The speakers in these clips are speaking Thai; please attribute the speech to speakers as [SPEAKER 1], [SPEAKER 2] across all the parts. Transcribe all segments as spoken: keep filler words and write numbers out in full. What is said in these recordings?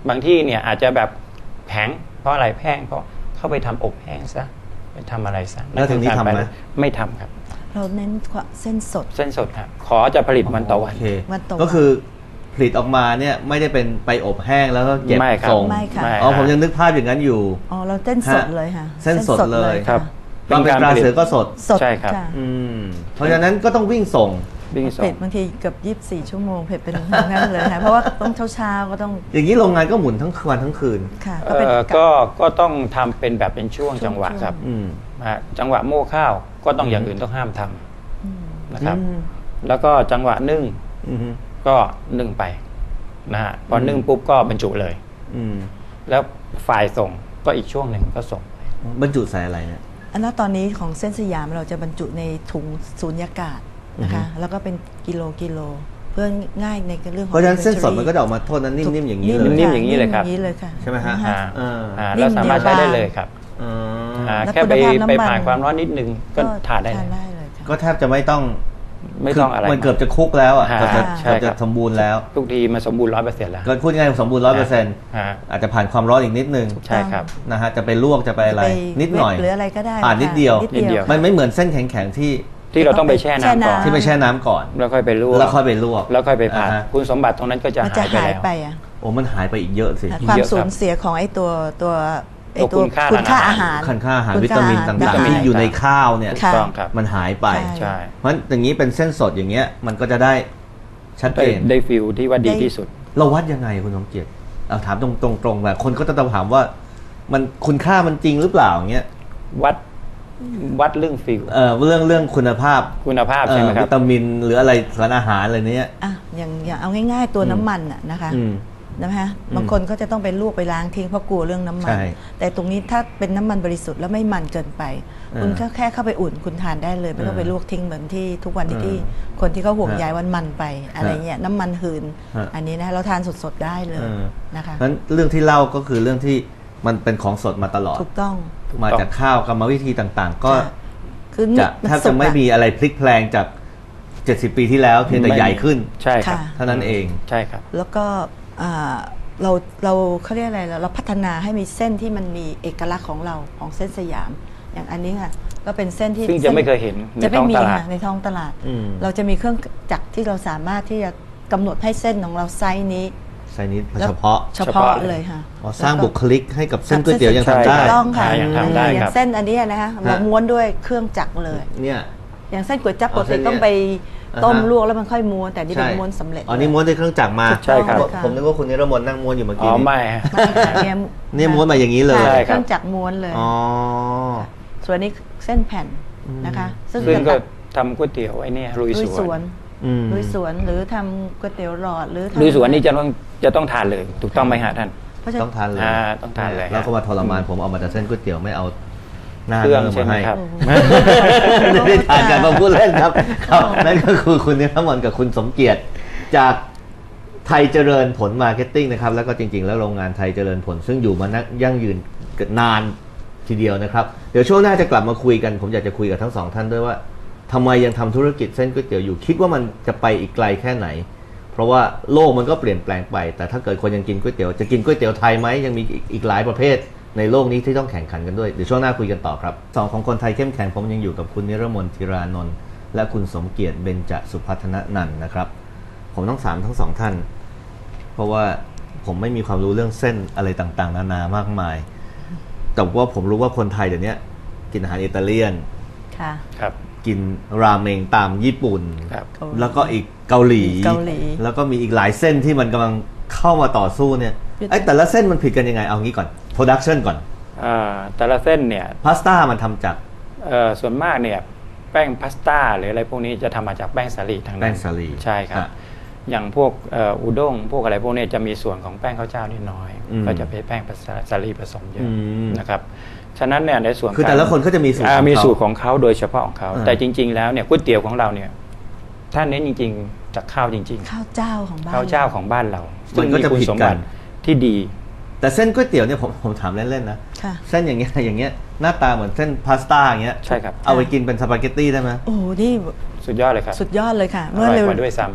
[SPEAKER 1] บางที่เนี่ยอาจจะแบบแข็งเพราะอะไรแห้งเพราะเข้าไปทำอบแห้งซะไปทำอะไรซะ
[SPEAKER 2] แล้วถึงนี้ทำไหม
[SPEAKER 1] ไม่ทำครับ
[SPEAKER 3] เราเน้นเส้นสด
[SPEAKER 1] เส้นสดครับขอจะผลิตวันต่อวัน
[SPEAKER 2] ก็คือผลิตออกมาเนี่ยไม่ได้เป็นไปอบแห้งแล้วก็เก็บส่ง
[SPEAKER 3] ไม่ค่ะ
[SPEAKER 2] อ๋อผมยังนึกภาพอย่างนั้นอยู่
[SPEAKER 3] อ๋อเราเส้นสดเลยค่ะ
[SPEAKER 2] เส้นสดเลย
[SPEAKER 1] ครับ
[SPEAKER 2] ตอนเป็นปลาเสือก็สด
[SPEAKER 1] ใช่ครับ
[SPEAKER 2] เพราะฉะนั้นก็ต้องวิ่งส่ง
[SPEAKER 3] เผ็ดบางทีเกือบยี่สิบสี่ชั่วโมงเผ็ดเป็นนั่นเลยค่ะเพราะว่าต้องเช้าๆก็ต้อง
[SPEAKER 2] อย่างนี้โรงงานก็หมุนทั้งวันทั้งคืน
[SPEAKER 3] ค่ะ
[SPEAKER 1] ก็ก็ต้องทำเป็นแบบเป็นช่วงจังหวะครับจังหวะโม่ข้าวก็ต้องอย่างอื่นต้องห้ามทำนะครับแล้วก็จังหวะนึ่งก็นึ่งไปนะฮะพอนึ่งปุ๊บก็บรรจุเลยแล้วฝ่ายส่งก็อีกช่วงหนึ่งก็ส่ง
[SPEAKER 2] บรรจุใส่อะไรเนี่ย
[SPEAKER 3] อันนั้นตอนนี้ของเส้นสยามเราจะบรรจุในถุงสูญญากาศนะคะแล้วก็เป็นกิโลกิโลเพื่อง่ายในเรื่องของ
[SPEAKER 2] เพราะฉะนั้นเส้นสดมันก็จะออกมาโทษนั้นนิ่มๆอย่างนี้เลย
[SPEAKER 1] นิ่มๆอย่างนี้เลยครับ
[SPEAKER 2] ใช่ไหมฮะ
[SPEAKER 1] แล้วสามารถใช้ได้เลยครับแค่ไปไปผ่านความร้อนนิดนึงก็ทานได้เลย
[SPEAKER 2] ก็แทบจะไม่ต้อง
[SPEAKER 1] ไม่ต้องอะไร
[SPEAKER 2] มันเกือบจะคุกแล้วอ่ะเกือบจะสมบูรณ์แล้ว
[SPEAKER 1] ทุกทีมันสมบูรณ์ร้อยเปอร์เซ็นต์แล้ว
[SPEAKER 2] ก็พูดง่ายๆสมบูรณ์ร้อยเปอร์เซ็นต์อาจจะผ่านความร้อนอีกนิดนึง
[SPEAKER 1] ใช่ครับ
[SPEAKER 2] นะฮะจะไปลวกจะไปอะไรนิดหน่อย
[SPEAKER 3] หรืออะไรก็ได้
[SPEAKER 2] ผ่านนิดเดียวมันไม่เหมือนเส้นแข็งๆที่
[SPEAKER 1] ที่เราต้องไปแช่น้ำก่อน
[SPEAKER 2] ที่ไปแช่น้ำก่อน
[SPEAKER 1] แล้วค่อยไปลวก
[SPEAKER 2] แล้วค่อยไปลวก
[SPEAKER 1] แล้วค่อยไปผัดคุณสมบัติตรงนั้นก็จะหายไปแล้ว
[SPEAKER 2] โอ้มันหายไปอีกเยอะสิ
[SPEAKER 3] ความสูญเสียของไอ้ตัวตัวไอ้ตัวคุณค่าอาหาร
[SPEAKER 2] คุณค่าอาหารวิตามินต่างๆที่อยู่ในข้าวเนี่ยมันหายไป
[SPEAKER 1] ใช่
[SPEAKER 2] เพราะอย่างนี้เป็นเส้นสดอย่างเงี้ยมันก็จะได้ชัดเจน
[SPEAKER 1] ได้ฟิลที่ว่าดีที่สุด
[SPEAKER 2] เราวัดยังไงคุณสมเกียรติเอาถามตรงๆแบบคนก็จะถามว่ามันคุณค่ามันจริงหรือเปล่าอย่างเงี้ย
[SPEAKER 1] วัดวัดเรื่องฟิล
[SPEAKER 2] เออเรื่องเรื่องคุณภาพ
[SPEAKER 1] คุณภาพใช่ไหมครับ
[SPEAKER 2] วิตามินหรืออะไรสารอาหารอะไรเนี้ย
[SPEAKER 3] อ่ะอย่างอย่างเอาง่ายๆตัวน้ำมันอ่ะนะคะนะคะบางคนก็จะต้องไปลวกไปล้างทิ้งเพราะกลัวเรื่องน้ำมันแต่ตรงนี้ถ้าเป็นน้ำมันบริสุทธิ์แล้วไม่มันเกินไปคุณก็แค่เข้าไปอุ่นคุณทานได้เลยไม่ต้องไปลวกทิ้งเหมือนที่ทุกวันที่คนที่เขาห่วงใยวันมันไปอะไรเงี้ยน้ำมันหืนอันนี้นะเราทานสดๆได้เลยนะคะ
[SPEAKER 2] เพราะฉะนั้นเรื่องที่เล่าก็คือเรื่องที่มันเป็นของสดมาตลอด
[SPEAKER 3] ถูกต้อง
[SPEAKER 2] มาจากข้าวกรรมวิธีต่างๆก็จะแทบจะไม่มีอะไรพลิกแพลงจากเจ็ดสิบปีที่แล้วเพียงแต่ใหญ่ขึ้น
[SPEAKER 1] ใช่ครับ
[SPEAKER 2] เท่านั้นเอง
[SPEAKER 1] ใช่ครับ
[SPEAKER 3] แล้วก็เราเราเขาเรียกอะไรเราพัฒนาให้มีเส้นที่มันมีเอกลักษณ์ของเราของเส้นสยามอย่างอันนี้ค่ะก็เป็นเส้นที่
[SPEAKER 1] ซึ่งจะไม่เคยเห็นในท้องตลาด
[SPEAKER 3] ในท้องตลาดเราจะมีเครื่องจักรที่เราสามารถที่จะกำหนดให้เส้นของเราไซส์นี้
[SPEAKER 2] ไซส์นี้เฉพาะ
[SPEAKER 3] เฉพาะเลยค่ะ
[SPEAKER 2] สร้างบุคลิกให้กับเส้นก๋วยเตี๋ยวยังทำได้
[SPEAKER 3] ต้องค่ะอย่างเส้นอันนี้นะคะเราม้วนด้วยเครื่องจักรเลย
[SPEAKER 2] เนี่ย
[SPEAKER 3] อย่างเส้นก๋วยจั๊บปกติต้องไปต้มลวกแล้วมันค่อยม้วนแต่นี่เป็นม้วนสำเร็จ
[SPEAKER 2] อ๋อนี่ม้วนด้วยเครื่องจักรมา
[SPEAKER 1] ใช่ครับ
[SPEAKER 2] ผมนึกว่าคุณนิรมนนั่งม้วนอยู่เมื่อกี้
[SPEAKER 1] อ๋อไม่
[SPEAKER 2] นี่ม้วนมาอย่างนี้เลย
[SPEAKER 3] เครื่องจักรม้วนเลย
[SPEAKER 2] อ๋อ
[SPEAKER 3] ส่วนนี้เส้นแผ่นนะคะ
[SPEAKER 1] ซึ่งก็ทำก๋วยเตี๋ยวไอ้นี่ลุยสวน
[SPEAKER 3] ลุยสวนหรือทำก๋วยเตี๋ยวหลอดหรือ
[SPEAKER 1] ลุยสวนนี่จะต้องจะต้องทานเลยถูกต้องไหมฮะท่าน
[SPEAKER 2] ต้องทานเลย
[SPEAKER 1] ต้องทานเลย
[SPEAKER 2] แล้วก็มาทรมานผมเอามาแต่เส้นก๋วยเตี๋ยวไม่เอา
[SPEAKER 1] เครื่องใช่ไหมครับ
[SPEAKER 2] ไม่ได้ทานกันมาพูดเล่นครับนั่นก็คือคุณนิรมนกับคุณสมเกียรติจากไทยเจริญผลมาร์เก็ตติ้งนะครับแล้วก็จริงๆแล้วโรงงานไทยเจริญผลซึ่งอยู่มานักยั่งยืนนานทีเดียวนะครับเดี๋ยวช่วงหน้าจะกลับมาคุยกันผมอยากจะคุยกับทั้งสองท่านด้วยว่าทำไมยังทำธุรกิจเส้นก๋วยเตี๋ยวอยู่คิดว่ามันจะไปอีกไกลแค่ไหนเพราะว่าโลกมันก็เปลี่ยนแปลงไปแต่ถ้าเกิดคนยังกินก๋วยเตี๋ยวจะกินก๋วยเตี๋ยวไทยไหมยังมีอีกหลายประเภทในโลกนี้ที่ต้องแข่งขันกันด้วยเดี๋ยวช่วงหน้าคุยกันต่อครับสองของคนไทยเข้มแข็งผมยังอยู่กับคุณนิรมนธีรานนท์และคุณสมเกียรติเบญจสุพัฒนนันท์นะครับผมต้องถามทั้งสองท่านเพราะว่าผมไม่มีความรู้เรื่องเส้นอะไรต่างๆนานามากมายแต่ว่าผมรู้ว่าคนไทยเดี๋ยวนี้กินอาหารอิตาเลียน
[SPEAKER 3] ค่ะ
[SPEAKER 1] ครับ
[SPEAKER 2] กินราเมงตามญี่ปุ่นแล้วก็อีกเกาหลีแล้วก็มีอีกหลายเส้นที่มันกำลังเข้ามาต่อสู้เนี่ยไอ้แต่ละเส้นมันผิดกันยังไงเอางี้ก่อนโปรดักชันก่อน
[SPEAKER 1] อ่าแต่ละเส้นเนี่ย
[SPEAKER 2] พาสต้ามันทำจาก
[SPEAKER 1] เอ่อส่วนมากเนี่ยแป้งพาสต้าหรืออะไรพวกนี้จะทำมาจากแป้งสาลีทางนั้น
[SPEAKER 2] แป้งสาลี
[SPEAKER 1] ใช่ครับอย่างพวกอุด้งพวกอะไรพวกนี้จะมีส่วนของแป้งข้าวเจ้านิดน้อยก็จะเป็นแป้งสาลีผสมเยอะนะครับฉะนั้นเนี่ยในส่วน
[SPEAKER 2] คือแต่ละคนก็จะมีสูตร
[SPEAKER 1] มีสูตรของเขาโดยเฉพาะของเขาแต่จริงๆแล้วเนี่ยก๋วยเตี๋ยวของเราเนี่ยถ้าเน้นจริงๆจากข้าวจริง
[SPEAKER 3] ๆข้าวเจ้าของบ้าน
[SPEAKER 1] ข้าวเจ้าของบ้านเรา
[SPEAKER 2] ซึ่งมีคุณสมบัติ
[SPEAKER 1] ที่ดี
[SPEAKER 2] แต่เส้นก๋วยเตี๋ยวเนี่ยผมผมถามเล่นๆนะเส้นอย่างเงี้ยอย่างเงี้ยหน้าตาเหมือนเส้นพาสต้าอย่างเงี้ย
[SPEAKER 1] ใช่ครับ
[SPEAKER 2] เอาไปกินเป็นสปาเกตตี้ได้ไหม
[SPEAKER 3] โอ้นี่
[SPEAKER 1] สุดยอดเลยครับ
[SPEAKER 3] สุดยอดเลยค่ะ
[SPEAKER 1] เมื่อเร็วด้วยซ้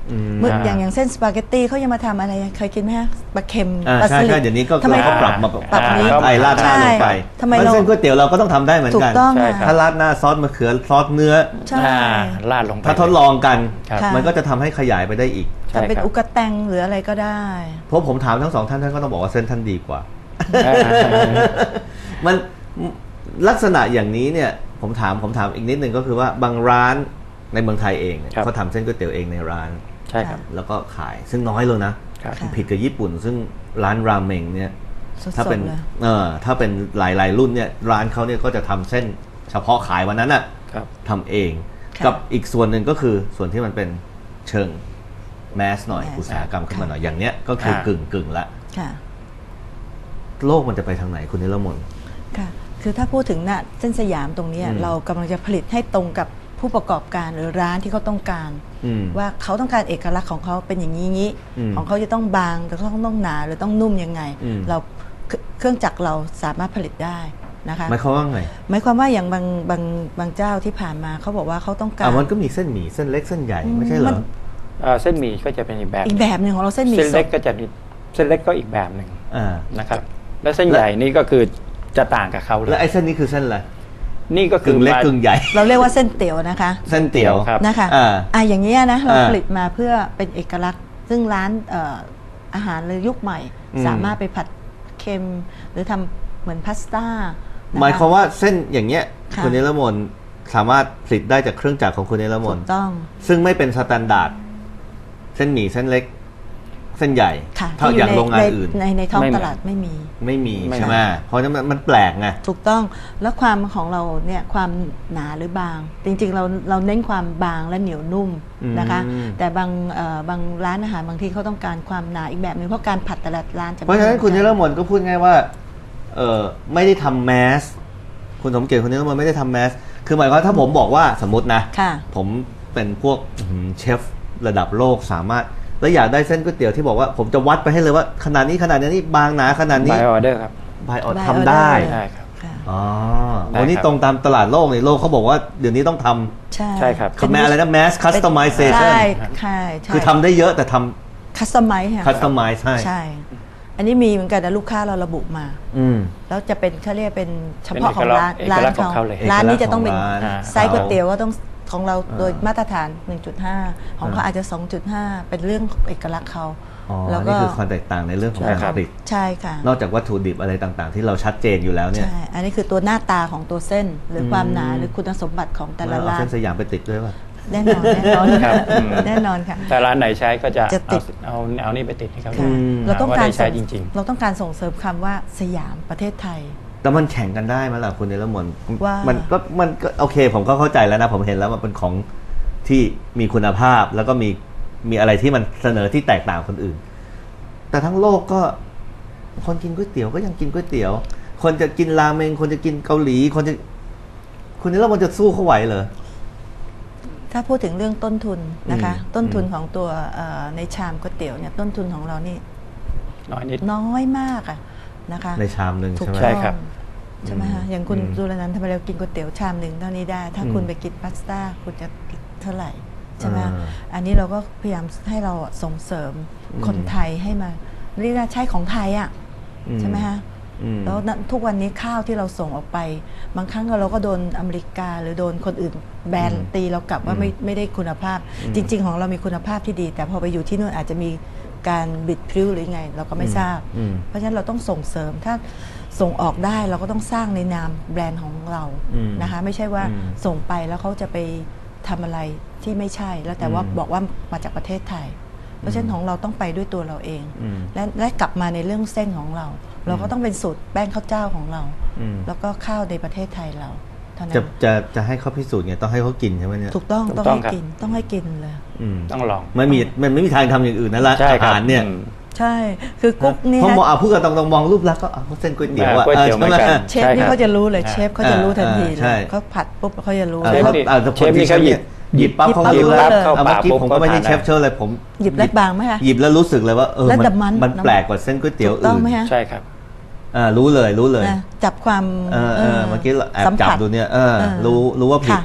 [SPEAKER 3] เมื่ออย่างอย่างเส้นสปาเกตตี้เขายังมาทำอะไรเคยกินไหมฮะปลาเค็ม
[SPEAKER 2] อ่า
[SPEAKER 3] ปลา
[SPEAKER 2] ใช่
[SPEAKER 3] สลิ
[SPEAKER 2] ใช่
[SPEAKER 3] ด
[SPEAKER 2] เดี๋ยวนี้ก็
[SPEAKER 3] ทำไม
[SPEAKER 2] เราก็ปรับมา
[SPEAKER 3] ปรับนี้
[SPEAKER 2] ไอ้ราดหน้าลงไป
[SPEAKER 3] ทำไม
[SPEAKER 2] เพ
[SPEAKER 3] เรา
[SPEAKER 2] ราะเส้นก๋วยเตี๋ยวเราก็ต้องทำได้เหมือน
[SPEAKER 3] ถู
[SPEAKER 2] กั
[SPEAKER 3] ก
[SPEAKER 2] น
[SPEAKER 3] ต้อง
[SPEAKER 1] ใช่
[SPEAKER 3] ค่ะ
[SPEAKER 1] ครับ
[SPEAKER 2] ถ้าราดหน้าซอสมะเขือซอสเนื้อ
[SPEAKER 3] ใช่
[SPEAKER 1] อ่าลาดลงไป
[SPEAKER 2] ถ้าทดลองกัน
[SPEAKER 1] ครับ
[SPEAKER 3] ค่ะ
[SPEAKER 2] มันก็จะทำให้ขยายไปได้อีก
[SPEAKER 1] ใช่
[SPEAKER 3] ทำเป็น
[SPEAKER 1] ครับ
[SPEAKER 3] อุกะแตงหรืออะไรก็ได้
[SPEAKER 2] เพราะผมถามทั้งสองท่านท่านก็ต้องบอกว่าเส้นท่านดีกว่า
[SPEAKER 1] อ่า
[SPEAKER 2] มันลักษณะอย่างนี้เนี่ยผมถามผมถามอีกนิดนึงก็คือว่าบางร้านในเมืองไทยเองเนี่ย
[SPEAKER 1] ครับ
[SPEAKER 2] เขาทำเส้นก๋วยเตี๋ยวเองในร้าน
[SPEAKER 1] ใช่ครับ
[SPEAKER 2] แล้วก็ขายซึ่งน้อยเลยนะครับ
[SPEAKER 3] ค่ะ
[SPEAKER 2] ผิดกับญี่ปุ่น ซึ่งร้านราเมงเนี่ย
[SPEAKER 3] สด
[SPEAKER 2] ถ้าเป็น
[SPEAKER 3] ๆเลย
[SPEAKER 2] เออถ้าเป็นหลายๆรุ่นเนี่ยร้านเขาเนี่ยก็จะทำเส้นเฉพาะขายวันนั้นน่ะ
[SPEAKER 1] ครับ
[SPEAKER 2] ทำเอง
[SPEAKER 3] ค่ะ
[SPEAKER 2] กับอีกส่วนหนึ่งก็คือส่วนที่มันเป็นเชิงแมสหน่อย
[SPEAKER 3] แมส
[SPEAKER 2] อุตสาหกรรมขึ้นมา
[SPEAKER 3] ค่ะ
[SPEAKER 2] หน่อยอย่างเนี้ยก็คือ
[SPEAKER 1] ค่ะ
[SPEAKER 2] กึ่งกึ่งๆละ
[SPEAKER 3] ค่ะ
[SPEAKER 2] โลกมันจะไปทางไหนคุณนิรมน
[SPEAKER 3] ค่ะ คือถ้าพูดถึงน่ะเส้นสยามตรงเนี้ย
[SPEAKER 2] อืม
[SPEAKER 3] เรากำลังจะผลิตให้ตรงกับผู้ประกอบการหรือร้านที่เขาต้องการ
[SPEAKER 2] อืม
[SPEAKER 3] ว่าเขาต้องการเอกลักษณ์ของเขาเป็นอย่างนี้งี้
[SPEAKER 2] อืม
[SPEAKER 3] ของเขาจะต้องบางหรือเขาต้องหนาหรือต้องนุ่มยังไง
[SPEAKER 2] อืม
[SPEAKER 3] เราเคเครื่องจักรเราสามารถผลิตได้นะคะ
[SPEAKER 2] หมายความว่าไง
[SPEAKER 3] หมายความว่าอย่างบางบางบางเจ้าที่ผ่านมาเขาบอกว่าเขาต้องการ
[SPEAKER 2] อ่ะมันก็มีเส้นหมี่เส้นเล็กเส้นใหญ่ไม่ใช่เหร
[SPEAKER 3] มั
[SPEAKER 2] อน
[SPEAKER 1] เอ่อเส้นหมี่ก็จะเป็นอีกแบบ
[SPEAKER 3] อีกแบบหนึ่งของเราเส้นหมี่
[SPEAKER 1] เส้น
[SPEAKER 3] ส
[SPEAKER 1] เล็
[SPEAKER 3] ด
[SPEAKER 1] กก็จะมีเส้นเล็กก็อีกแบบหนึ่ง
[SPEAKER 2] อ่า
[SPEAKER 1] นะครับ แล้วเส้นใหญ่นี่ก็คือจะต่างกับเขาเล
[SPEAKER 2] แล้ว
[SPEAKER 1] ย
[SPEAKER 2] ไอ้เส้นนี้คือเส้นอะไร
[SPEAKER 1] นี่ก็คื
[SPEAKER 2] กึ่
[SPEAKER 1] อง
[SPEAKER 2] เล็ก
[SPEAKER 1] มาก
[SPEAKER 2] ึ่งใหญ่
[SPEAKER 3] เราเรียกว่าเส้นเตี๋ยวนะคะ
[SPEAKER 2] เส้นเตี๋ยว
[SPEAKER 1] ครับ
[SPEAKER 3] นะคะ
[SPEAKER 2] อ่า
[SPEAKER 3] อ่ะอย่างเงี้ยนะเรา
[SPEAKER 2] อ่า
[SPEAKER 3] ผลิตมาเพื่อเป็นเอกลักษณ์ ซึ่งร้านเอ่ออาหารเลยยุคใหม่
[SPEAKER 2] อืม
[SPEAKER 3] สามารถไปผัดเค็ม หรือทำเหมือนพาสต้านะคะ
[SPEAKER 2] หมายความว่าเส้นอย่างเงี้ย
[SPEAKER 3] ค่ะ
[SPEAKER 2] คุณนิรมนสามารถผลิตได้จากเครื่องจักรของคุณนิรม
[SPEAKER 3] ถู
[SPEAKER 2] น
[SPEAKER 3] กต้อง
[SPEAKER 2] ซึ่งไม่เป็นสแตนดาร์ดเส้นหมี่เส้นเล็ก เส้นใหญ่
[SPEAKER 3] ค่ะ
[SPEAKER 2] เท่า
[SPEAKER 3] ที่
[SPEAKER 2] อย่าง
[SPEAKER 3] ใน
[SPEAKER 2] โรงงาน
[SPEAKER 3] ใน
[SPEAKER 2] อื่น
[SPEAKER 3] ในในท้อง
[SPEAKER 1] ไม่เหมื
[SPEAKER 3] ต
[SPEAKER 1] อน
[SPEAKER 3] ลาดไม่มี
[SPEAKER 2] ไม่มี
[SPEAKER 1] ไม่
[SPEAKER 2] ใช่ไหมเพราะฉะนั้นมันมันแปลกไง
[SPEAKER 3] ถูกต้องแล้วความของเราเนี่ยความหนาหรือบาง จริงๆเราเราเน้นความบางและเหนียวนุ่ม
[SPEAKER 2] อืม
[SPEAKER 3] นะคะ แต่บางเอ่อบางร้านอาหารบางที่เขาต้องการความหนาอีกแบบหนึงเพราะการผัดแต่ละร้านจะ
[SPEAKER 2] เพราะฉะนั้น
[SPEAKER 3] ไม่ห
[SPEAKER 2] คุณ
[SPEAKER 3] มื
[SPEAKER 2] นิ
[SPEAKER 3] อ
[SPEAKER 2] ร
[SPEAKER 3] กั
[SPEAKER 2] มนก็พูดง่ายว่าเออไม่ได้ทำแมสคุณสมเกียรติคุณนิรมนไม่ได้ทำแมสคือหมายความว่าถ้าผมบอกว่าสมมตินะ
[SPEAKER 3] ค่ะ
[SPEAKER 2] ผมเป็นพวกอื้อหือเชฟระดับโลกสามารถ แล้วอยากได้เส้นก๋วยเตี๋ยวที่บอกว่าผมจะวัดไปให้เลยว่าขนาดนี้ขนาดนี้บางหนาขนาดนี้
[SPEAKER 1] บายออเดอร์ครับ
[SPEAKER 2] บายออ
[SPEAKER 3] By
[SPEAKER 2] ทำได้
[SPEAKER 3] order
[SPEAKER 1] ใช่ครับ
[SPEAKER 3] ค่ะ
[SPEAKER 2] อ๋อ
[SPEAKER 1] ได้
[SPEAKER 2] วันนี้
[SPEAKER 1] ครับ
[SPEAKER 2] ตรงตามตลาดโลกนี่โลกเขาบอกว่าเดี๋ยวนี้ต้องท
[SPEAKER 3] ใช่
[SPEAKER 1] ใช่ครับ
[SPEAKER 2] ำคือแม้อะไรนะ mass customization
[SPEAKER 3] ใช่ใช่ใช่
[SPEAKER 2] คือทำได้เยอะแต่ท
[SPEAKER 3] คัสตอมไมซ์ค่ะ
[SPEAKER 2] ำ customize ให้
[SPEAKER 3] ใช่ อันนี้มีเหมือนกันนะลูกค้าเราระบุมา
[SPEAKER 2] อืม
[SPEAKER 3] แล้วจะเป็นเขาเรียกเป็นเฉพาะ
[SPEAKER 1] เป็น
[SPEAKER 3] ของร้าน
[SPEAKER 1] เอก
[SPEAKER 3] ร้า
[SPEAKER 1] ลั
[SPEAKER 3] น
[SPEAKER 1] กษณ์ของเขาเลย
[SPEAKER 3] ร้านนี้จะต้องเป็น
[SPEAKER 2] เอกลักษณ์ของร้าน
[SPEAKER 3] ไซส์ก๋วยเตี๋ยวก็ต้องของเรา
[SPEAKER 2] อ่า
[SPEAKER 3] โดยมาตรฐาน หนึ่งจุดห้า ของเขา
[SPEAKER 2] อ่า
[SPEAKER 3] อาจจะ สองจุดห้า เป็นเรื่องเอกลักษณ์เขา
[SPEAKER 2] อ๋อ
[SPEAKER 3] แล้วก็
[SPEAKER 2] นี่คือความแตกต่างในเรื่องของ
[SPEAKER 1] ใช่
[SPEAKER 2] การ
[SPEAKER 1] ครับ
[SPEAKER 2] ผลิต
[SPEAKER 3] ใช่ค่ะ
[SPEAKER 2] นอกจากวัตถุดิบอะไรต่างๆ ที่เราชัดเจนอยู่แล้วเนี่ย
[SPEAKER 3] ใช่ อันนี้คือตัวหน้าตาของตัวเส้น หรือความหนา
[SPEAKER 2] อืม
[SPEAKER 3] หรือคุณสมบัติของแต่ละ
[SPEAKER 2] เอา
[SPEAKER 3] ร้าน
[SPEAKER 2] เส้นสยามไปติดด้วยป่ะ
[SPEAKER 3] แน่นอนแน่นอน
[SPEAKER 1] ครับอืม
[SPEAKER 3] แน่นอนค่ะ
[SPEAKER 1] แต่ร้านไหนใช้ก็จะ
[SPEAKER 3] จะติ
[SPEAKER 1] เอา
[SPEAKER 3] ด
[SPEAKER 1] เอาเอานี่ไปติดให้เขา
[SPEAKER 3] ค่ะ
[SPEAKER 1] ดู
[SPEAKER 3] เราต้องการ
[SPEAKER 1] ว่ได้ใช้
[SPEAKER 3] ส่ง
[SPEAKER 1] จริง
[SPEAKER 3] เราต้องการส่งเสริมคำว่าสยามประเทศไทย
[SPEAKER 2] แต่มันแข่งกันได้ไหมล่ะคุณเนรมน
[SPEAKER 3] ว่ามั
[SPEAKER 2] มันก็มันก็โอเค ผมก็เข้าใจแล้วนะ ผมเห็นแล้วมันเป็นของที่มีคุณภาพ แล้วก็มีมีอะไรที่มันเสนอที่แตกต่างคนอื่น แต่ทั้งโลกก็คนกินก๋วยเตี๋ยวก็ยังกินก๋วยเตี๋ยว คนจะกินราเมงคนจะกินเกาหลี คนจะคุณเนรมนจะสู้เขาไหวเหรอ
[SPEAKER 3] ถ้าพูดถึงเรื่องต้นทุนนะคะ
[SPEAKER 2] อืม
[SPEAKER 3] ต้นทุน
[SPEAKER 2] อืม
[SPEAKER 3] ของตัวเอ่อในชามก๋วยเตี๋ยวเนี่ยต้นทุนของเรานี่
[SPEAKER 1] ๆ น้อยนิด
[SPEAKER 3] น้อยมากอะนะคะ
[SPEAKER 2] ในชามหนึ่ง
[SPEAKER 3] ถูก
[SPEAKER 2] ใช่ไหม
[SPEAKER 1] ใช่
[SPEAKER 3] ต้อง
[SPEAKER 1] ครับ
[SPEAKER 3] ใช่ไหมคะอย่างคุณ
[SPEAKER 2] อืม
[SPEAKER 3] จุลนันท์ทำไมเรากินก๋วยเตี๋ยวชามหนึ่งเท่านี้ได้ ถ้า
[SPEAKER 2] อืม
[SPEAKER 3] คุณไปกินพาสต้าคุณจะเท่าไหร่ใช่ไหมคะ
[SPEAKER 2] อ่า
[SPEAKER 3] อันนี้เราก็พยายามให้เราอะส่งเสริม
[SPEAKER 2] อืม
[SPEAKER 3] คนไทยให้มาเรียกว่าใช้ของไทยอะ
[SPEAKER 2] อื
[SPEAKER 3] ใช่ไหมคะ
[SPEAKER 2] อืม
[SPEAKER 3] แล้วณทุกวันนี้ข้าวที่เราส่งออกไป บางครั้งเราก็โดนอเมริกาหรือโดนคนอื่นแบน
[SPEAKER 2] อืม
[SPEAKER 3] ตีเรากลับว่าไม่ไม่ได้คุณภาพ
[SPEAKER 2] อืม
[SPEAKER 3] จริง ๆ ของเรามีคุณภาพที่ดี แต่พอไปอยู่ที่นู่นอาจจะมีการบิดพริ้วหรือไง เราก็ไม่
[SPEAKER 2] อืม
[SPEAKER 3] ทราบ
[SPEAKER 2] อืม
[SPEAKER 3] เพราะฉะนั้นเราต้องส่งเสริมถ้าส่งออกได้เราก็ต้องสร้างในนามแบรนด์ของเรา
[SPEAKER 2] อืม
[SPEAKER 3] นะคะ ไม่ใช่ว่า
[SPEAKER 2] อืม
[SPEAKER 3] ส่งไปแล้วเขาจะไปทำอะไรที่ไม่ใช่ แล้วแต่ว่า
[SPEAKER 2] อืม
[SPEAKER 3] บอกว่ามาจากประเทศไทย เพราะฉะนั้นของเราต้องไปด้วยตัวเราเอง
[SPEAKER 2] อืม
[SPEAKER 3] และและกลับมาในเรื่องเส้นของเรา เราก็ต้องเป็นสูตรแป้งข้าวเจ้าของเรา
[SPEAKER 2] อืม
[SPEAKER 3] แล้วก็ข้าวในประเทศไทยเราเท่านั้
[SPEAKER 2] จะ
[SPEAKER 3] น
[SPEAKER 2] จะจะให้เขาพิสูจน์ไงต้องให้เขากินใช่ไหมเนี่ย
[SPEAKER 3] ถูกต้อง
[SPEAKER 1] ถูก
[SPEAKER 3] ต้อง
[SPEAKER 1] ต้อง
[SPEAKER 3] ให้
[SPEAKER 1] ครับ
[SPEAKER 3] กินต้องให้กินเลย
[SPEAKER 2] อืม
[SPEAKER 1] ต้องลอง
[SPEAKER 2] ไม่มีมันไม่มีทางทำอย่างอื่นนั่นละ
[SPEAKER 1] ใช่
[SPEAKER 2] อา
[SPEAKER 1] ครับ
[SPEAKER 2] หารเนี่ย
[SPEAKER 1] อืม
[SPEAKER 3] ใช่ คือกุ๊กนี่
[SPEAKER 2] เพราะ
[SPEAKER 3] ฮะ
[SPEAKER 2] มองอ่ะพูดกันตรงๆมองรูปลักษณ์ก็อ่ะเส้นก๋วยเตี๋ยวอ่ะ
[SPEAKER 1] ก๋วยเตี๋ยวเหมือนกัน
[SPEAKER 2] ใช่ไห
[SPEAKER 3] เชฟนี่
[SPEAKER 1] ใช่ครับ
[SPEAKER 3] เขาจะรู้เลย
[SPEAKER 1] อ่า
[SPEAKER 3] เชฟเขาจะรู้ทันทีเล
[SPEAKER 2] ใช่
[SPEAKER 3] ยเขาผัดปุ๊บเขาจะรู้
[SPEAKER 2] อ่ะ
[SPEAKER 1] เชฟ
[SPEAKER 2] เพราะ
[SPEAKER 1] นี่
[SPEAKER 2] อ่ะแต่คน
[SPEAKER 1] เชฟนี่
[SPEAKER 2] ที่
[SPEAKER 1] เขาหยิบ
[SPEAKER 2] หยิบปั๊บเขา
[SPEAKER 3] หยิ
[SPEAKER 2] รู้
[SPEAKER 3] บ
[SPEAKER 2] แล้ว
[SPEAKER 3] ปั๊บ
[SPEAKER 1] เข้า
[SPEAKER 2] เอา
[SPEAKER 1] ปาก
[SPEAKER 2] เมื่อกี้
[SPEAKER 1] ปุ๊บ
[SPEAKER 2] ผมก็ไม่ใช่
[SPEAKER 1] ก็ทาน
[SPEAKER 2] เชฟเชิญเลยผม
[SPEAKER 3] หยิบแล้วบางไหมคะ
[SPEAKER 2] หยิบแล้วรู้สึกเลยว่าเออ
[SPEAKER 3] แล้ว
[SPEAKER 2] มัน
[SPEAKER 3] แต่มัน
[SPEAKER 2] มัน
[SPEAKER 3] น้ำ
[SPEAKER 2] แปลกกว่าเส้นก๋วยเตี๋ยว
[SPEAKER 3] ถูกต้อง
[SPEAKER 2] อื่น
[SPEAKER 3] ไหมฮะ
[SPEAKER 1] ใช่ครับ
[SPEAKER 2] อ่ารู้เลยรู้เลย
[SPEAKER 3] นะจับความ
[SPEAKER 2] เออเออเมื่อกี้เราแอบ
[SPEAKER 3] สัม
[SPEAKER 2] จับ
[SPEAKER 3] ผัส
[SPEAKER 2] ดูเนี่ยเออ
[SPEAKER 3] เออ
[SPEAKER 2] รู้รู้ว่าผิด
[SPEAKER 3] ค่ะ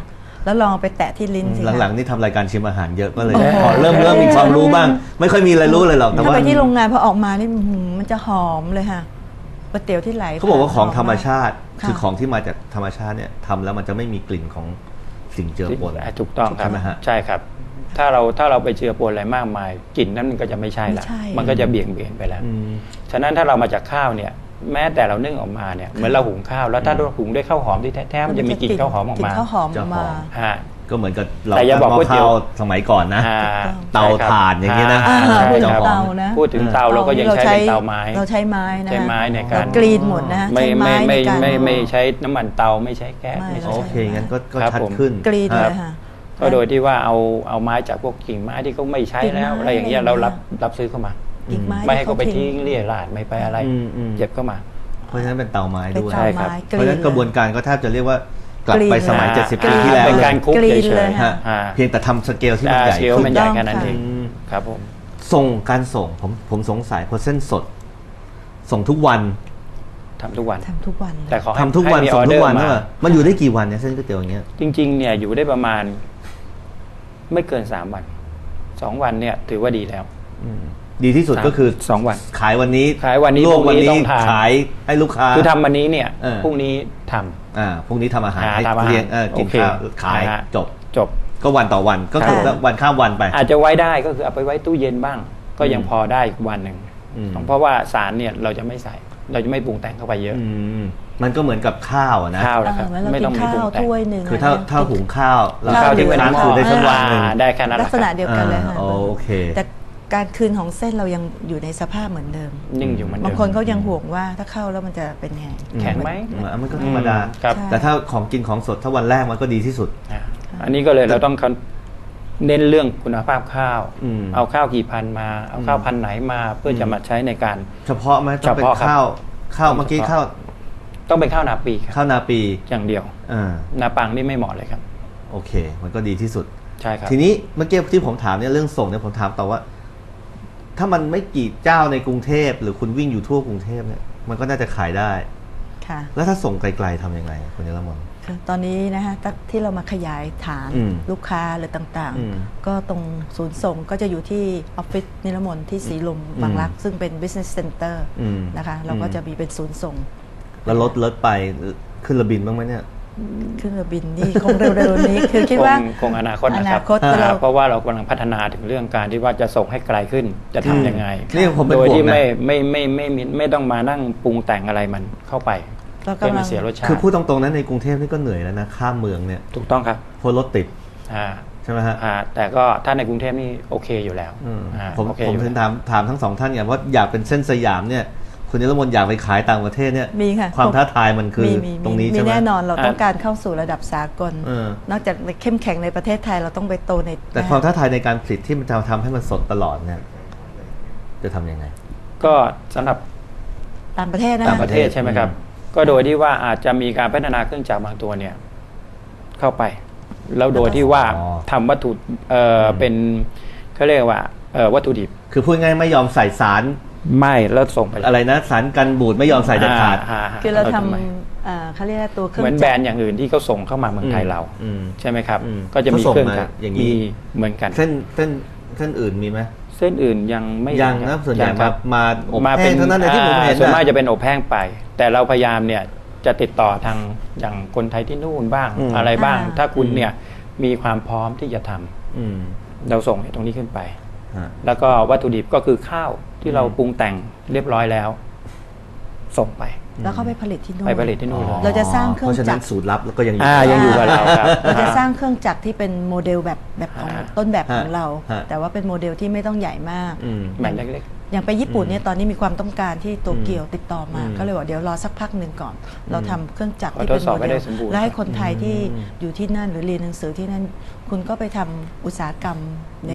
[SPEAKER 3] แล้วลองเอาไปแตะที่ลิ้นสิคะ
[SPEAKER 2] หลังๆนี่ทำรายการชิมอาหารเยอะก็เลย
[SPEAKER 3] โอ้โห
[SPEAKER 2] พอเริ่มเริ่มมีความรู้บ้าง ไม่ค่อยมีอะไรรู้เลยหรอกแต่
[SPEAKER 3] ถ้า
[SPEAKER 2] ว่า
[SPEAKER 3] ไปที่โรงงานพอออกมานี่อื้อหือมันจะหอมเลยค่ะก๋วยเตี๋ยวที่ไหล
[SPEAKER 2] เขาบอกว่าของธรรมชาติ
[SPEAKER 3] ค่ะ
[SPEAKER 2] คือของที่มาจากธรรมชาติเนี่ยทำแล้วมันจะไม่มีกลิ่นของสิ่งเจือปน
[SPEAKER 1] อ่ะถูกต้องครับ
[SPEAKER 2] ใช่ไหมฮะ
[SPEAKER 1] ใช่ครับ ถ้าเราถ้าเราไปเจือปนอะไรมากมายกลิ่นนั้นมันก็จะไม่ใช่ละ
[SPEAKER 3] ไม่ใช่
[SPEAKER 1] มันก็จะเบี่ยงเบนไปแล้ว
[SPEAKER 2] อืม
[SPEAKER 1] ฉะนั้นถ้าเรามาจากข้าวเนี่ย แม้แต่เรานึ่งออกมาเนี่ยเหมือนเราหุงข้าวแล้วถ้าเราหุงด้วยข้าวหอมที่แท้ๆมันจะมีกลิ่นข้าวหอมออก
[SPEAKER 3] กลิ่
[SPEAKER 1] มาน
[SPEAKER 3] ข้าวหอมออกมา
[SPEAKER 1] ฮะ
[SPEAKER 2] ก็เหมือนกับเรา
[SPEAKER 1] แต่อย่าบอก
[SPEAKER 2] หม้
[SPEAKER 1] ก๋วยเตี๋ยว
[SPEAKER 2] ข้สมัยก่อนนะ
[SPEAKER 1] อ่า
[SPEAKER 2] เตาถ่านอย่างนี้นะ
[SPEAKER 3] อ่า
[SPEAKER 1] ใช่
[SPEAKER 3] พูด
[SPEAKER 1] ค
[SPEAKER 3] ถึ
[SPEAKER 1] รั
[SPEAKER 3] ง
[SPEAKER 1] บ
[SPEAKER 3] เตานะ
[SPEAKER 1] พูดถึงเตาเราก็ยังใช้เป็นเตาไม้
[SPEAKER 3] เราใช้ไม้นะ
[SPEAKER 1] ใช้ไม้ในการ
[SPEAKER 3] กรีนหมดนะ
[SPEAKER 1] ไม่
[SPEAKER 3] ใช้
[SPEAKER 1] ไม่
[SPEAKER 3] ไม้
[SPEAKER 1] ไม่
[SPEAKER 3] ในการ
[SPEAKER 1] ไม่ไม่ใช้น้ำมันเตาไม่ใช้แก๊ส
[SPEAKER 3] ไม่
[SPEAKER 1] ไม่ใช้
[SPEAKER 2] โอเคงั้นก็ก็
[SPEAKER 1] ครับ
[SPEAKER 2] ชัด
[SPEAKER 1] ผม
[SPEAKER 2] ขึ้น
[SPEAKER 3] กรีน
[SPEAKER 2] ค
[SPEAKER 3] เล
[SPEAKER 2] รับ
[SPEAKER 3] ยค่ะ
[SPEAKER 1] ก็โดยที่ว่าเอาเอาไม้จากพวกกิ่งไม้ที่เขาไม่ใช้แล้ว
[SPEAKER 3] กิ่งไม้
[SPEAKER 1] อะไรอย่างเงี้ย
[SPEAKER 3] อะไร
[SPEAKER 1] เรา
[SPEAKER 3] อย่างเงี้ย
[SPEAKER 1] รับรับซื้อเข้ามา
[SPEAKER 3] อีกไม้
[SPEAKER 1] ไม่ให้เขาไป
[SPEAKER 3] ที่
[SPEAKER 1] ทิ้งเรี่ยราดไม่ไปอะไร
[SPEAKER 2] อืมอืม
[SPEAKER 1] เก็บเข้ามา
[SPEAKER 2] เพราะฉะนั้นเป็นเตาไม้
[SPEAKER 3] เป็น
[SPEAKER 2] ด้วย
[SPEAKER 3] เตา
[SPEAKER 1] ใช่ครับ
[SPEAKER 3] ไม้
[SPEAKER 2] เพราะฉะนั้นกระบวนการก็แทบจะเรียกว่ากลับไปสมัย
[SPEAKER 1] กรีน
[SPEAKER 2] เจ็ดสิบ
[SPEAKER 1] อ่า
[SPEAKER 2] ปีที่แล้ว
[SPEAKER 1] เป็น
[SPEAKER 2] เลย
[SPEAKER 1] การคุก
[SPEAKER 3] กรีน
[SPEAKER 1] เฉ
[SPEAKER 3] เลย ย
[SPEAKER 1] ๆ
[SPEAKER 3] ค่ะ
[SPEAKER 1] อ่า
[SPEAKER 2] เพียงแต่ทำสเกลที่มัน
[SPEAKER 1] อ่า
[SPEAKER 2] ใหญ่
[SPEAKER 1] สเกล
[SPEAKER 2] ขึ้น
[SPEAKER 1] มันใหญ่
[SPEAKER 3] ถูกต้อง
[SPEAKER 1] แค่นั้น
[SPEAKER 3] ค่ะ
[SPEAKER 1] เอง
[SPEAKER 2] อืม
[SPEAKER 1] ครับผม
[SPEAKER 2] ส่งการส่งผมผมสงสัยเพราะเส้นสด ส่งทุกวัน
[SPEAKER 1] ทำทุกวัน
[SPEAKER 3] ทำทุกวันเลย
[SPEAKER 1] แต่ขอให้
[SPEAKER 2] ทำทุกวัน
[SPEAKER 1] ให้มี
[SPEAKER 2] ส่งทุกวัน
[SPEAKER 1] ออเดอร์
[SPEAKER 2] ใช่
[SPEAKER 1] มา
[SPEAKER 2] ป่ะมันอยู่ได้กี่วันเนี่ยเส้นก๋วยเตี๋ยวอย่างเงี้ย
[SPEAKER 1] จริงๆเนี่ยอยู่ได้ประมาณ ไม่เกินสามวันสองวันเนี่ย ถือว่าดีแล้ว
[SPEAKER 2] อืมดีที่สุดก็คือ
[SPEAKER 1] สองวัน
[SPEAKER 2] ขายวันนี้
[SPEAKER 1] ขายวันนี้
[SPEAKER 2] ลวก
[SPEAKER 1] พรุ่
[SPEAKER 2] วัน
[SPEAKER 1] งนี้
[SPEAKER 2] นี้
[SPEAKER 1] ต้องทาน
[SPEAKER 2] ขายให้ลูกค้า
[SPEAKER 1] คือทำวันนี้เนี่ย
[SPEAKER 2] เออ
[SPEAKER 1] พรุ่งนี้ทำ
[SPEAKER 2] อ่าพรุ่งนี้ทำอาหาร
[SPEAKER 1] อ่า
[SPEAKER 2] ให้
[SPEAKER 1] ทำอาหาร
[SPEAKER 2] เลี้ยงเออกิน
[SPEAKER 1] โอเค
[SPEAKER 2] ข้าวขาย
[SPEAKER 1] นะฮะ
[SPEAKER 2] จบ
[SPEAKER 1] จบ
[SPEAKER 2] ก็วันต่อวันก็คือ
[SPEAKER 3] ค่ะ
[SPEAKER 2] วันข้ามวันไป
[SPEAKER 1] อาจจะไว้ได้ก็คือเอาไปไว้ตู้เย็นบ้าง ก็ยังพอได้อีกวันหนึ่ง
[SPEAKER 2] อืม
[SPEAKER 1] เพราะว่าสารเนี่ยเราจะไม่ใส่ เราจะไม่ปรุงแต่งเข้าไปเยอะ
[SPEAKER 2] อืมมันก็เหมือนกับข้าวอะนะ
[SPEAKER 1] ข้าวนะครับ
[SPEAKER 3] เออเหมือนเรา
[SPEAKER 1] ไม่
[SPEAKER 3] กิ
[SPEAKER 1] ต้อง
[SPEAKER 3] น
[SPEAKER 1] มี
[SPEAKER 3] ข้า
[SPEAKER 1] ปรุง
[SPEAKER 3] ว
[SPEAKER 1] แต่ง
[SPEAKER 3] ถ้วยหนึ่ง
[SPEAKER 2] คือถ้า
[SPEAKER 3] ะ
[SPEAKER 2] ถ้าหุงข้าวแล้ว
[SPEAKER 1] ข้าว
[SPEAKER 2] ทิ้
[SPEAKER 1] ที่
[SPEAKER 2] ง
[SPEAKER 1] ไว้ใน
[SPEAKER 2] ค้าง
[SPEAKER 1] หม้
[SPEAKER 2] คืนได้สักวันหนึ่ง
[SPEAKER 1] อ่าได้แค่นั้นแห
[SPEAKER 3] ลั
[SPEAKER 1] ละ
[SPEAKER 3] ก
[SPEAKER 1] ค
[SPEAKER 3] ษ
[SPEAKER 1] รับ
[SPEAKER 3] ณะเดียวกันเลยค่ะ
[SPEAKER 2] อ่าโอเค
[SPEAKER 3] แต่การคืนของเส้นเรายังอยู่ในสภาพเหมือนเดิม
[SPEAKER 1] นิ่งอยู่เหมือนเดิม
[SPEAKER 3] บางคนเขายังห่วงว่าถ้าเข้าแล้วมันจะเป็นไง
[SPEAKER 1] แข็งไหม
[SPEAKER 2] อืมมันก็ธรรมดา
[SPEAKER 1] ครับ
[SPEAKER 3] ใช่
[SPEAKER 2] แต่ถ้าของกินของสดถ้าวันแรกมันก็ดีที่สุด
[SPEAKER 1] อ่าอันนี้ก็เลยเราต้องเน้นเรื่องคุณภาพข้าว
[SPEAKER 2] อืม
[SPEAKER 1] เอาข้าวกี่พันมา เอาข้าวพันไหนมาเพื่อจะมาใช้ในการ
[SPEAKER 2] เฉพาะไหมต้องเป็น
[SPEAKER 1] เฉพาะครับ
[SPEAKER 2] ข้าวข้าวเมื่อกี้
[SPEAKER 1] เฉพาะ
[SPEAKER 2] ข้าว
[SPEAKER 1] ต้องเป็นข้าวนาปีครับ
[SPEAKER 2] ข้าวนาปี
[SPEAKER 1] อย่างเดียว
[SPEAKER 2] อ่า
[SPEAKER 1] นาปังนี่ไม่เหมาะเลยครับ
[SPEAKER 2] โอเค มันก็ดีที่สุด
[SPEAKER 1] ใช่ครับ
[SPEAKER 2] ทีนี้เมื่อกี้ที่ผมถามเนี่ยเรื่องส่งเนี่ยผมถามต่อว่า ถ้ามันไม่กี่เจ้าในกรุงเทพหรือคุณวิ่งอยู่ทั่วกรุงเทพเนี่ยมันก็น่าจะขายได้
[SPEAKER 3] ค่ะ
[SPEAKER 2] แล้วถ้าส่งไกลๆทำยังไงคุณนิรมน
[SPEAKER 3] คือตอนนี้นะคะตั้งที่เรามาขยายฐาน
[SPEAKER 2] อืม
[SPEAKER 3] ลูกค้าหรือต่าง
[SPEAKER 2] อืม
[SPEAKER 3] ๆ ก็ตรงศูนย์ส่งก็จะอยู่ที่ออฟฟิศนิรมนที่สีลมบางรัก ซึ่งเป็น business center
[SPEAKER 2] อืม
[SPEAKER 3] นะคะเราก็
[SPEAKER 2] อืม
[SPEAKER 3] จะมีเป็นศูนย์ส่ง
[SPEAKER 2] แล้วรถรถไปขึ้นระบินบ้างไหมเนี่ย
[SPEAKER 3] ขึ้นเรือบินนี่คงเร็วๆนี้ คือคิดว่า
[SPEAKER 1] คงคงอนาคตนะค
[SPEAKER 3] อ
[SPEAKER 1] รับ
[SPEAKER 3] นาคตเรา
[SPEAKER 1] เพราะว่าเรากำลังพัฒนาถึงเรื่องการที่ว่าจะส่งให้ไกลขึ้นจะทำยังไง
[SPEAKER 2] นี่ผมเป็น
[SPEAKER 1] โดย
[SPEAKER 2] ห่วง
[SPEAKER 1] ที่
[SPEAKER 2] นะ
[SPEAKER 1] ไม่ไม่ไม่ไม่ไม่ไม่ต้องมานั่งปรุงแต่งอะไรมันเข้าไป
[SPEAKER 3] เรา
[SPEAKER 1] เพื่อก
[SPEAKER 3] ำลั
[SPEAKER 1] มาง เสียรสชาติ
[SPEAKER 2] คือพูดตรงๆนะในกรุงเทพนี่ก็เหนื่อยแล้วนะข้ามเมืองเนี่ย
[SPEAKER 1] ถูกต้องครับ
[SPEAKER 2] เพราะรถติด
[SPEAKER 1] อ่า
[SPEAKER 2] ใช่ไหมฮะ
[SPEAKER 1] อ่าแต่ก็ถ้าในกรุงเทพนี่โอเคอยู่แล้ว
[SPEAKER 2] อืม
[SPEAKER 1] อ่า
[SPEAKER 2] ผม
[SPEAKER 1] โอเค
[SPEAKER 2] ผม
[SPEAKER 1] อยู่
[SPEAKER 2] ถึง
[SPEAKER 1] แล้ว
[SPEAKER 2] ถามถามทั้งสองท่านไงว่าอยากเป็นเส้นสยามเนี่ยคุณนิรมนอยากไปขายต่างประเทศเนี่ย
[SPEAKER 3] มีค่ะ
[SPEAKER 2] ความท้าทายมันคือ
[SPEAKER 3] มีมี
[SPEAKER 2] ตรงนี้
[SPEAKER 3] มี
[SPEAKER 2] ใช่ไหม
[SPEAKER 3] แน่นอนเรา
[SPEAKER 1] อ่า
[SPEAKER 3] ต้องการเข้าสู่ระดับสากล
[SPEAKER 2] เออ
[SPEAKER 3] นอกจากเข้มแข็งในประเทศไทยเราต้องไปโตใน
[SPEAKER 2] แต่ความท้าทายในการผลิตที่มันจะทำให้มันสดตลอดเนี่ยจะทำยังไง
[SPEAKER 1] ก็สำหรับ
[SPEAKER 3] ต่างประเทศนะ
[SPEAKER 1] ต่าง
[SPEAKER 3] คะ
[SPEAKER 1] ประเทศใช่ไหมครับ ก็โดยที่ว่าอาจจะมีการพัฒนาเครื่องจักรบางตัวเนี่ย เข้าไป แล้วโดยที่ว่า
[SPEAKER 2] อ๋อ
[SPEAKER 1] ทำวัตถุเอ่อเป็นเขาเรียกว่าเอ่อวัตถุดิบ
[SPEAKER 2] คือพูดง่ายไม่ยอมใส่สาร
[SPEAKER 1] ไม่แล้วส่งไปเลย
[SPEAKER 2] อะไรนะสารกันบูดไม่ยอมใส่เด็ดขาด
[SPEAKER 1] อ่
[SPEAKER 3] คือเราท
[SPEAKER 1] ทำไม
[SPEAKER 3] ำเอ่อเขาเรียกว่าตัวเครื่อ
[SPEAKER 1] เหมื
[SPEAKER 3] ง
[SPEAKER 1] อนแบร
[SPEAKER 3] จั
[SPEAKER 1] น
[SPEAKER 3] กร
[SPEAKER 1] ด์อย่างอื่นที่เขาส่งเข้ามาเมืองไทยเรา
[SPEAKER 2] อืม
[SPEAKER 1] ใช่ไหมครับ
[SPEAKER 2] อืม
[SPEAKER 1] ก็จะมี
[SPEAKER 2] เขาส่ง
[SPEAKER 1] เครื่อง
[SPEAKER 2] มา
[SPEAKER 1] จักร
[SPEAKER 2] อย่างนี้
[SPEAKER 1] มีเหมือนกัน
[SPEAKER 2] เส้นเส้นเส้นอื่นมีไหม
[SPEAKER 1] เส้นอื่นยังไม่
[SPEAKER 2] ยัง
[SPEAKER 1] ค
[SPEAKER 2] นะ
[SPEAKER 1] รับ
[SPEAKER 2] ส่วนใหญ่
[SPEAKER 1] ยังครับ
[SPEAKER 2] มาอบ
[SPEAKER 1] มา
[SPEAKER 2] แห้
[SPEAKER 1] เป็น
[SPEAKER 2] งเท่านั้นเลยที่ผมเห็น
[SPEAKER 1] อ่าส่วนมาก
[SPEAKER 2] นะ
[SPEAKER 1] จะเป็นอบแห้งไป แต่เราพยายามเนี่ยจะติดต่อทางอย่างคนไทยที่นู่นบ้าง
[SPEAKER 2] อืม
[SPEAKER 1] อะไรบ้าง
[SPEAKER 3] อ่า
[SPEAKER 1] ถ้าคุณเนี่ยมีความพร้อมที่จะทำ
[SPEAKER 2] อืม
[SPEAKER 1] เราส่งเนี่ยตรงนี้ขึ้นไป
[SPEAKER 2] ฮะ
[SPEAKER 1] แล้วก็วัตถุดิบก็คือข้าวที่เราปรุงแต่งเรียบร้อยแล้ว ส่งไป
[SPEAKER 3] แล้วเขาไปผลิตที่นู่น
[SPEAKER 1] ไปผลิตที่นู่นเลย
[SPEAKER 3] เราจะสร้างเครื่อง
[SPEAKER 2] เพราะฉะ
[SPEAKER 3] จั
[SPEAKER 2] นั้
[SPEAKER 3] ก
[SPEAKER 2] น
[SPEAKER 3] ร
[SPEAKER 2] สูตรลับแล้วก็ยังอยู่
[SPEAKER 1] อ่ายังอยู่กับเราครับ
[SPEAKER 3] เราจะสร้างเครื่องจักรที่เป็นโมเดลแบบแบบของ
[SPEAKER 1] อ่า
[SPEAKER 3] ต้นแบบของ
[SPEAKER 2] ฮะ
[SPEAKER 3] เรา
[SPEAKER 2] ฮะ
[SPEAKER 3] แต่ว่าเป็นโมเดลที่ไม่ต้องใหญ่มาก
[SPEAKER 2] อืม
[SPEAKER 1] แบนเล็ก
[SPEAKER 3] อย่างไปญี่ปุ่นเนี่ยตอนนี้มีความต้องการที่โตเกียวติดต่อมา
[SPEAKER 2] อืม
[SPEAKER 3] ก็เลยบอกเดี๋ยวรอสักพักหนึ่งก่อน เราทำเครื่องจักร
[SPEAKER 1] ขอ
[SPEAKER 3] ที่เป็น
[SPEAKER 1] ทดสอบ
[SPEAKER 3] โม
[SPEAKER 1] ให้
[SPEAKER 3] เด
[SPEAKER 1] ได้
[SPEAKER 3] ล
[SPEAKER 1] สมบูรณ์
[SPEAKER 3] และให้คนไทยที่อยู่ที่นั่นหรือเรียนหนังสือที่นั่น คุณก็ไปทำอุตสาหกรรมใน